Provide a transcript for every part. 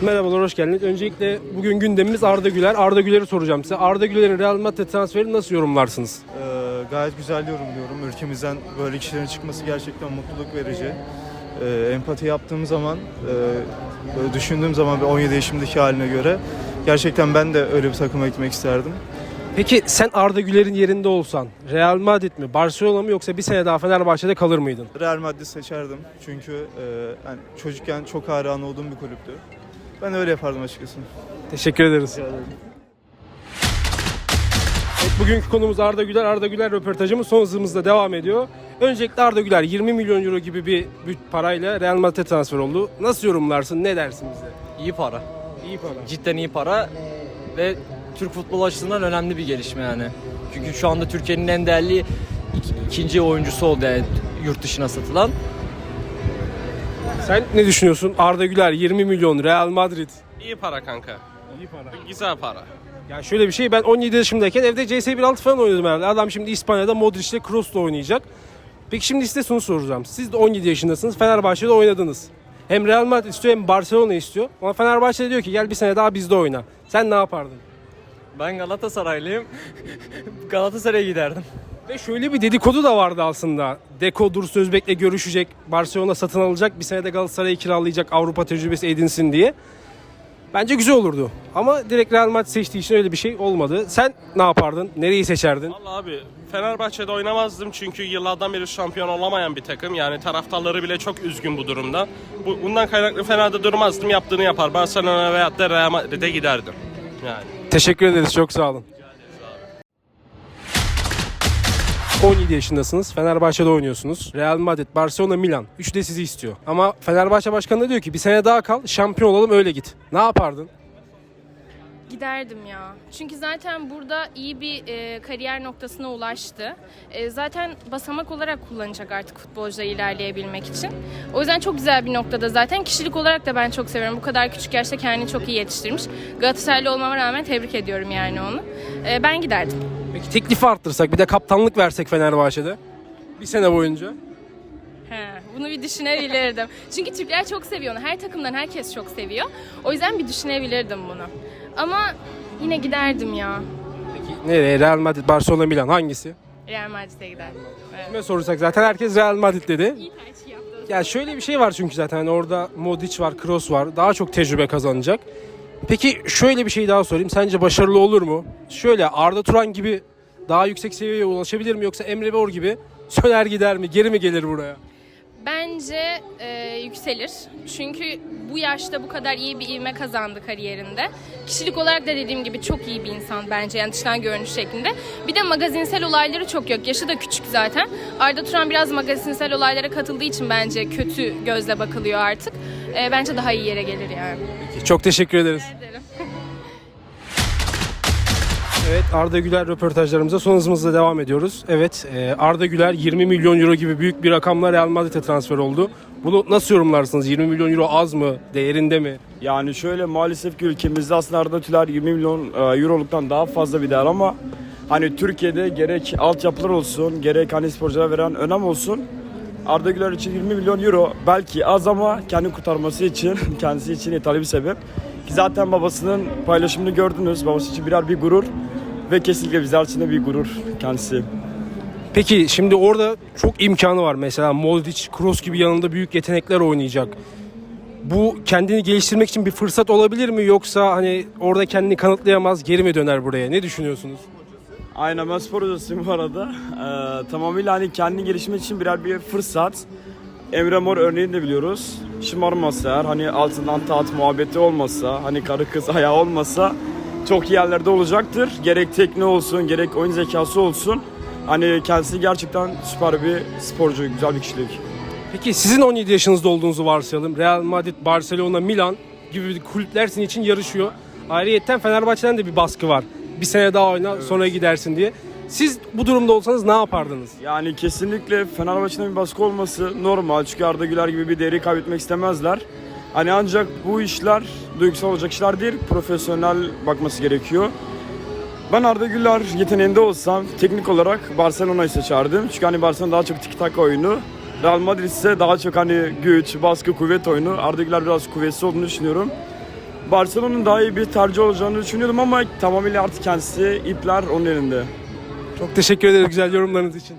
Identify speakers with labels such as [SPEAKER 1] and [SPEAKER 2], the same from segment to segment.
[SPEAKER 1] Merhabalar, hoş geldiniz. Öncelikle bugün gündemimiz Arda Güler. Arda Güler'i soracağım size. Arda Güler'in Real Madrid transferini nasıl yorumlarsınız?
[SPEAKER 2] Gayet güzel yorumluyorum. Ülkemizden böyle kişilerin çıkması gerçekten mutluluk verici. Empati yaptığım zaman, böyle düşündüğüm zaman 17 yaşımdaki haline göre gerçekten ben de öyle bir takıma gitmek isterdim.
[SPEAKER 1] Peki sen Arda Güler'in yerinde olsan Real Madrid mi, Barcelona mı yoksa bir sene daha Fenerbahçe'de kalır mıydın?
[SPEAKER 2] Real Madrid seçerdim çünkü yani çocukken çok hayran olduğum bir kulüptü. Ben öyle yapardım açıkçası.
[SPEAKER 1] Teşekkür ederiz. Evet, bugünkü konumuz Arda Güler. Arda Güler röportajımız son hızımızda devam ediyor. Öncelikle Arda Güler 20 milyon euro gibi bir parayla Real Madrid'e transfer oldu. Nasıl yorumlarsın? Ne dersin bize?
[SPEAKER 3] İyi para.
[SPEAKER 1] İyi para.
[SPEAKER 3] Cidden iyi para ve Türk futbol açısından önemli bir gelişme yani. Çünkü şu anda Türkiye'nin en değerli ikinci oyuncusu oldu yani yurt dışına satılan.
[SPEAKER 1] Sen ne düşünüyorsun? Arda Güler 20 milyon Real Madrid.
[SPEAKER 4] İyi para kanka.
[SPEAKER 1] İyi para.
[SPEAKER 4] Güzel para.
[SPEAKER 1] Ya şöyle bir şey, ben 17 yaşımdayken evde CS 1.6 falan oynuyordum herhalde. Adam şimdi İspanya'da Modric'le Kroos'la oynayacak. Peki şimdi size şunu soracağım. Siz de 17 yaşındasınız. Fenerbahçe'de oynadınız. Hem Real Madrid istiyor hem Barcelona istiyor. Ama Fenerbahçe diyor ki gel bir sene daha bizde oyna. Sen ne yapardın?
[SPEAKER 3] Ben Galatasaraylıyım. Galatasaray'a giderdim.
[SPEAKER 1] Ve şöyle bir dedikodu da vardı aslında. Deco Dursun Özbek'le görüşecek. Barcelona satın alacak. Bir sene de Galatasaray'ı kiralayacak. Avrupa tecrübesi edinsin diye. Bence güzel olurdu. Ama direkt Real Madrid seçtiği için öyle bir şey olmadı. Sen ne yapardın? Nereyi seçerdin?
[SPEAKER 4] Vallahi abi Fenerbahçe'de oynamazdım çünkü yıllardan beri şampiyon olamayan bir takım. Yani taraftarları bile çok üzgün bu durumda. Bundan kaynaklı Fener'de durmazdım. Yaptığını yapar. Barcelona veyahut da Real Madrid'e giderdim. Yani.
[SPEAKER 1] Teşekkür ederiz. Çok sağ olun. 17 yaşındasınız. Fenerbahçe'de oynuyorsunuz. Real Madrid, Barcelona, Milan. Üçü de sizi istiyor. Ama Fenerbahçe Başkanı da diyor ki bir sene daha kal, şampiyon olalım öyle git. Ne yapardın?
[SPEAKER 5] Giderdim ya. Çünkü zaten burada iyi bir kariyer noktasına ulaştı. Zaten basamak olarak kullanacak artık futbolcuda ilerleyebilmek için. O yüzden çok güzel bir noktada zaten. Kişilik olarak da ben çok seviyorum. Bu kadar küçük yaşta kendini çok iyi yetiştirmiş. Galatasaraylı olmama rağmen tebrik ediyorum yani onu. Ben giderdim.
[SPEAKER 1] Peki teklifi arttırsak, bir de kaptanlık versek Fenerbahçe'de bir sene boyunca?
[SPEAKER 5] Bunu bir düşünebilirdim. Çünkü Türkler çok seviyor onu. Her takımdan herkes çok seviyor. O yüzden bir düşünebilirdim bunu. Ama yine giderdim ya.
[SPEAKER 1] Peki nereye? Real Madrid, Barcelona, Milan hangisi?
[SPEAKER 5] Real Madrid'e giderdim. Evet.
[SPEAKER 1] Kime sorursak zaten herkes Real Madrid dedi.
[SPEAKER 5] İyi tercih yaptınız.
[SPEAKER 1] Ya şöyle bir şey var çünkü zaten hani orada Modric var, Kroos var. Daha çok tecrübe kazanacak. Peki şöyle bir şey daha sorayım. Sence başarılı olur mu? Şöyle Arda Turan gibi daha yüksek seviyeye ulaşabilir mi? Yoksa Emre Mor gibi söner gider mi? Geri mi gelir buraya?
[SPEAKER 5] Bence yükselir. Çünkü bu yaşta bu kadar iyi bir ivme kazandı kariyerinde. Kişilik olarak da dediğim gibi çok iyi bir insan bence yani dıştan görünüş şeklinde. Bir de magazinsel olayları çok yok. Yaşı da küçük zaten. Arda Turan biraz magazinsel olaylara katıldığı için bence kötü gözle bakılıyor artık. Bence daha iyi yere gelir yani.
[SPEAKER 1] Peki, çok teşekkür ederiz.
[SPEAKER 5] Rica ederim.
[SPEAKER 1] Evet, Arda Güler röportajlarımıza son hızımızla devam ediyoruz. Evet, Arda Güler 20 milyon euro gibi büyük bir rakamla Real Madrid'e transfer oldu. Bunu nasıl yorumlarsınız? 20 milyon euro az mı? Değerinde mi?
[SPEAKER 6] Yani şöyle maalesef ki ülkemizde aslında Arda Güler 20 milyon euroluktan daha fazla bir değer ama hani Türkiye'de gerek altyapılar olsun gerek hani sporculara veren önem olsun. Arda Güler için 20 milyon euro belki az ama kendi kurtarması için kendisi için yeterli bir sebep. Ki zaten babasının paylaşımını gördünüz. Babası için birer bir gurur ve kesinlikle bizler için de bir gurur kendisi.
[SPEAKER 1] Peki şimdi orada çok imkanı var. Mesela Modric, Kroos gibi yanında büyük yetenekler oynayacak. Bu kendini geliştirmek için bir fırsat olabilir mi? Yoksa hani orada kendini kanıtlayamaz, geri mi döner buraya? Ne düşünüyorsunuz?
[SPEAKER 6] Aynen, ben spor hocasıyım bu arada. Tamamıyla hani kendini geliştirmek için birer bir fırsat. Emre Mor örneğini de biliyoruz. Şımarmasa eğer, hani altından taht muhabbeti olmasa, hani karı kız ayağı olmasa çok iyi yerlerde olacaktır. Gerek tekniği olsun, gerek oyun zekası olsun. Hani kendisi gerçekten süper bir sporcu, güzel bir kişilik.
[SPEAKER 1] Peki sizin 17 yaşınızda olduğunuzu varsayalım. Real Madrid, Barcelona, Milan gibi kulüpler sizin için yarışıyor. Ayrıyeten Fenerbahçe'den de bir baskı var. Bir sene daha oyna, sonra gidersin diye. Siz bu durumda olsanız ne yapardınız?
[SPEAKER 6] Yani kesinlikle Fenerbahçe'nin bir baskı olması normal. Çünkü Arda Güler gibi bir değeri kaybetmek istemezler. Hani ancak bu işler duygusal olacak işler değil, profesyonel bakması gerekiyor. Ben Arda Güler yeteneğinde olsam teknik olarak Barcelona'yı seçerdim. Çünkü hani Barcelona daha çok tiki-taka oyunu. Real Madrid ise daha çok hani güç, baskı, kuvvet oyunu. Arda Güler biraz kuvvetli olduğunu düşünüyorum. Barcelona'nın daha iyi bir tercih olacağını düşünüyordum ama tamamıyla artık kendisi ipler onun elinde.
[SPEAKER 1] Çok teşekkür ederim güzel yorumlarınız için.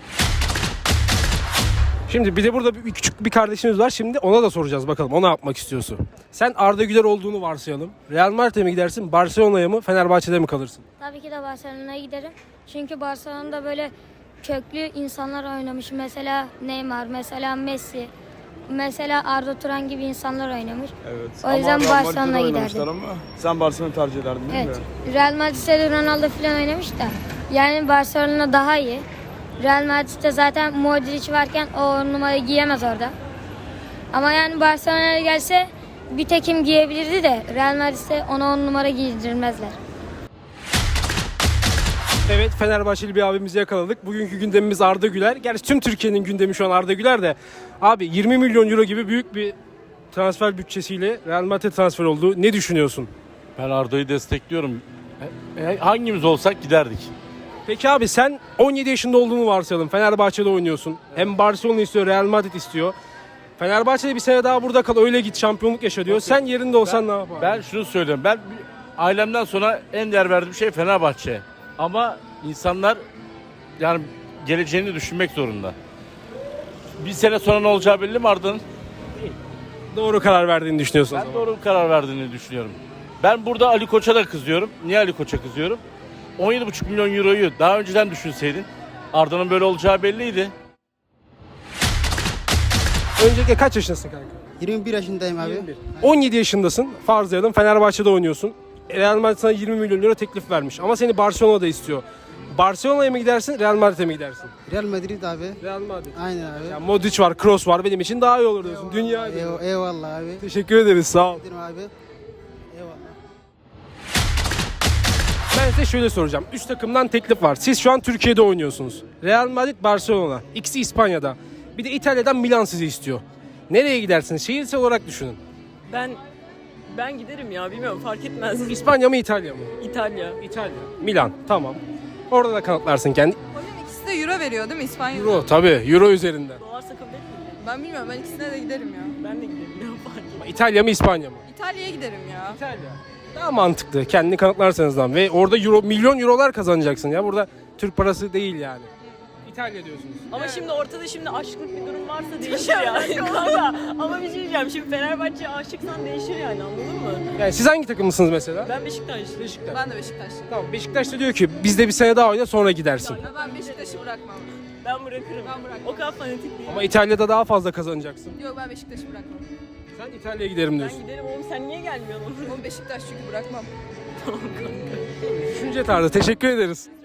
[SPEAKER 1] Şimdi bir de burada küçük bir kardeşimiz var. Şimdi ona da soracağız bakalım. O ne yapmak istiyorsun? Sen Arda Güler olduğunu varsayalım. Real Madrid'e mi gidersin? Barcelona'ya mı? Fenerbahçe'de mi kalırsın?
[SPEAKER 7] Tabii ki de Barcelona'ya giderim. Çünkü Barcelona'da böyle köklü insanlar oynamış. Mesela Neymar, mesela Messi, mesela Arda Turan gibi insanlar oynamış.
[SPEAKER 6] Evet.
[SPEAKER 7] O yüzden
[SPEAKER 6] Ama Real Madrid'de
[SPEAKER 7] Barcelona'ya
[SPEAKER 6] oynamışlar
[SPEAKER 7] giderdim.
[SPEAKER 6] Ama sen Barcelona tercih ederdin değil
[SPEAKER 7] Evet.
[SPEAKER 6] mi?
[SPEAKER 7] Real Madrid'de de Ronaldo falan oynamış da. Yani Barcelona daha iyi. Real Madrid'de zaten Modric varken o numarayı giyemez orada. Ama yani Barcelona'ya gelse bir tekim giyebilirdi de Real Madrid'de ona 10 numara giydirmezler.
[SPEAKER 1] Evet, Fenerbahçeli bir abimizi yakaladık. Bugünkü gündemimiz Arda Güler. Gerçi tüm Türkiye'nin gündemi şu an Arda Güler de. Abi 20 milyon euro gibi büyük bir transfer bütçesiyle Real Madrid transfer oldu. Ne düşünüyorsun?
[SPEAKER 8] Ben Arda'yı destekliyorum. Hangimiz olsak giderdik.
[SPEAKER 1] Peki abi sen 17 yaşında olduğunu varsayalım. Fenerbahçe'de oynuyorsun. Hem Barcelona istiyor, Real Madrid istiyor. Fenerbahçe'de bir sene daha burada kal, öyle git şampiyonluk yaşa diyor. Sen yerinde olsan ne yapardın?
[SPEAKER 8] Ben şunu söylüyorum. Ailemden sonra en değer verdiğim şey Fenerbahçe. Ama insanlar yani geleceğini düşünmek zorunda. Bir sene sonra ne olacağı belli mi Arda'nın?
[SPEAKER 1] Doğru karar verdiğini düşünüyorsun o
[SPEAKER 8] Ben
[SPEAKER 1] zaman.
[SPEAKER 8] doğru bir karar verdiğini düşünüyorum. Ben burada Ali Koç'a da kızıyorum. Niye Ali Koç'a kızıyorum? 17,5 milyon euroyu daha önceden düşünseydin Arda'nın böyle olacağı belliydi.
[SPEAKER 1] Öncelikle kaç yaşındasın kanka?
[SPEAKER 9] 21 yaşındayım abi.
[SPEAKER 1] 17 yaşındasın. Farzlayalım Fenerbahçe'de oynuyorsun. Real Madrid sana 20 milyon euro teklif vermiş. Ama seni Barcelona'da istiyor. Barcelona'ya mı gidersin, Real Madrid'e mi gidersin?
[SPEAKER 9] Real Madrid abi.
[SPEAKER 1] Real Madrid.
[SPEAKER 9] Aynen abi.
[SPEAKER 1] Ya Modric var, Kroos var. Benim için daha iyi olur diyorsun. Dünya iyi.
[SPEAKER 9] Eyvallah abi.
[SPEAKER 1] Teşekkür ederiz. Sağ ol.
[SPEAKER 9] Gidelim abi. Eyvallah.
[SPEAKER 1] Ben size şöyle soracağım. 3 takımdan teklif var. Siz şu an Türkiye'de oynuyorsunuz. Real Madrid, Barcelona. İkisi İspanya'da. Bir de İtalya'dan Milan sizi istiyor. Nereye gidersiniz? Şehirsel olarak düşünün.
[SPEAKER 10] Ben giderim ya, bilmiyorum, fark etmez.
[SPEAKER 1] İspanya mı İtalya mı?
[SPEAKER 10] İtalya.
[SPEAKER 1] İtalya. Milan. Tamam. Orada da kanıtlarsın kendi.
[SPEAKER 11] Hocam ikisi de euro veriyor değil mi İspanya?
[SPEAKER 1] Euro tabii. Euro üzerinden.
[SPEAKER 10] Dolarsa kabul etmeyeyim.
[SPEAKER 11] Ben bilmiyorum, ben ikisine de giderim ya.
[SPEAKER 10] Ben de giderim ya, fark etmez.
[SPEAKER 1] Ama İtalya mı İspanya mı?
[SPEAKER 11] İtalya'ya giderim ya.
[SPEAKER 1] İtalya. Daha mantıklı. Kendini kanıtlarsanız lan. Ve orada euro, milyon eurolar kazanacaksın ya. Burada Türk parası değil yani. İtalya diyorsunuz.
[SPEAKER 10] Ama şimdi ortada aşklık bir durum varsa değişir yani. Kanka, ama bir şey diyeceğim, şimdi Fenerbahçe'ye aşıksan değişir yani, anladın mı?
[SPEAKER 1] Yani siz hangi takımlısınız mesela?
[SPEAKER 10] Ben Beşiktaşlıyım.
[SPEAKER 1] Beşiktaş.
[SPEAKER 11] Ben de Beşiktaşlıyım.
[SPEAKER 1] Tamam Beşiktaş da diyor ki bizde bir sene daha oyna sonra gidersin.
[SPEAKER 11] Ama ben Beşiktaş'ı bırakmam.
[SPEAKER 10] Ben bırakırım.
[SPEAKER 11] Ben bırakmam.
[SPEAKER 10] O kadar fanatik değilim.
[SPEAKER 1] Ama İtalya'da daha fazla kazanacaksın.
[SPEAKER 11] Yok, ben Beşiktaş'ı bırakmam.
[SPEAKER 1] Sen İtalya'ya giderim
[SPEAKER 10] Ben
[SPEAKER 1] diyorsun.
[SPEAKER 10] giderim oğlum, sen niye gelmiyorsun?
[SPEAKER 11] Oğlum Beşiktaş çünkü bırakmam.
[SPEAKER 1] Düşünce tarzı. Teşekkür ederiz.